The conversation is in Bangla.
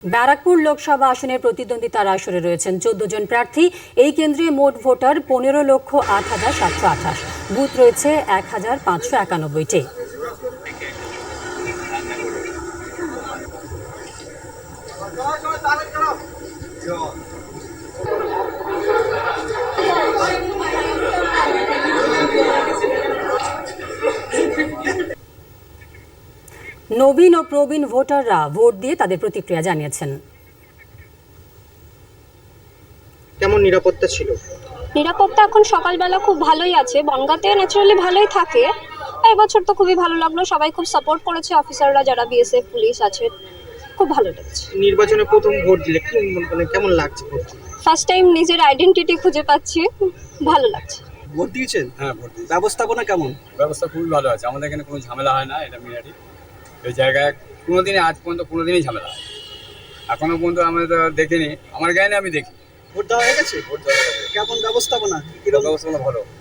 ব্যারাকপুর লোকসভা আসনের প্রতিদ্বন্দ্বিতার আসরে রয়েছেন ১৪ জন প্রার্থী। এই কেন্দ্রে মোট ভোটার ১৫,০৮,৭২৮। বুথ রয়েছে ১,৫৯১টি। নবীন ও প্রবীণ ভোটাররা ভোট দিয়ে তাদের প্রতিক্রিয়া জানিয়েছেন। কেমন নিরাপত্তা ছিল? নিরাপত্তা এখন সকালবেলা খুব ভালোই আছে, বনগাঁতে ন্যাচারালি ভালোই থাকে। এবছর তো খুবই ভালো লাগলো, সবাই খুব সাপোর্ট করেছে, অফিসাররা যারা বিএসএফ পুলিশ আছে, খুব ভালো লেগেছে। নির্বাচনে প্রথম ভোট দিলে কি কেমন লাগছে? ফার্স্ট টাইম নিজের আইডেন্টিটি খুঁজে পাচ্ছি, ভালো লাগছে। ভোট দিয়েছেন? হ্যাঁ, ভোট দিয়েছি। ব্যবস্থাপনা কেমন? ব্যবস্থা খুবই ভালো আছে, আমাদের এখানে কোনো ঝামেলা হয় না। এটা মিরাটি এই জায়গায় কোনোদিনই আজ পর্যন্ত কোনোদিনই ঝামেলা হয় এখনো পর্যন্ত আমরা তো দেখিনি, আমার গায়ে আমি দেখি। ভোট দেওয়া হয়ে গেছে? ভোট দেওয়া হয়ে গেছে। কেমন ব্যবস্থাপনা? ব্যবস্থাপনা ভালো।